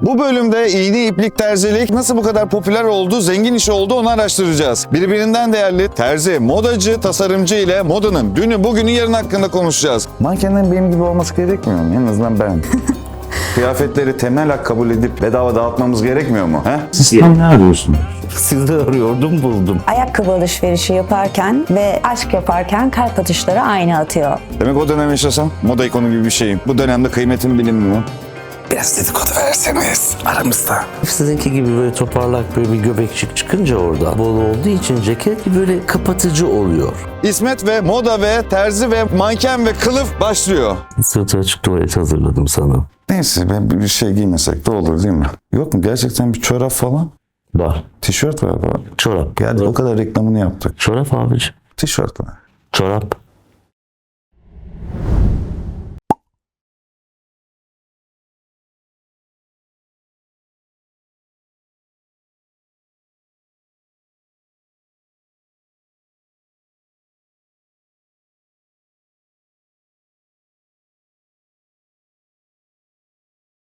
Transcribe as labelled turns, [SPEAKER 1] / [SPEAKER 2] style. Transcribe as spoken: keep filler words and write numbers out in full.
[SPEAKER 1] Bu bölümde iğne iplik terzilik nasıl bu kadar popüler oldu, zengin iş oldu onu araştıracağız. Birbirinden değerli terzi, modacı, tasarımcı ile modanın dünü, bugünü, yarın hakkında konuşacağız. Mankenlerin benim gibi olması gerekmiyor mu? En azından ben. Kıyafetleri temel hak kabul edip bedava dağıtmamız gerekmiyor mu? He? Siz tam ne arıyorsunuz?
[SPEAKER 2] Sizi arıyordum, buldum.
[SPEAKER 3] Ayakkabı alışverişi yaparken ve aşk yaparken kalp atışları aynı atıyor.
[SPEAKER 1] Demek o dönem yaşasam moda ikonu gibi bir şeyim. Bu dönemde kıymetim bilinmiyor.
[SPEAKER 2] Biraz dedikodu verseniz aramızda. Sizinki gibi böyle toparlak böyle bir göbekçik çıkınca orada bol olduğu için ceket böyle kapatıcı oluyor.
[SPEAKER 1] İsmet ve moda ve terzi ve manken ve kılıf başlıyor.
[SPEAKER 2] Sırtı açık tuvalet hazırladım sana.
[SPEAKER 1] Neyse ben bir şey giymesek de olur değil mi? Yok mu gerçekten bir çorap falan?
[SPEAKER 2] Var.
[SPEAKER 1] Tişört var falan.
[SPEAKER 2] Çorap.
[SPEAKER 1] Geldi o kadar reklamını yaptık.
[SPEAKER 2] Çorap abiciğim.
[SPEAKER 1] Tişört var.
[SPEAKER 2] Çorap.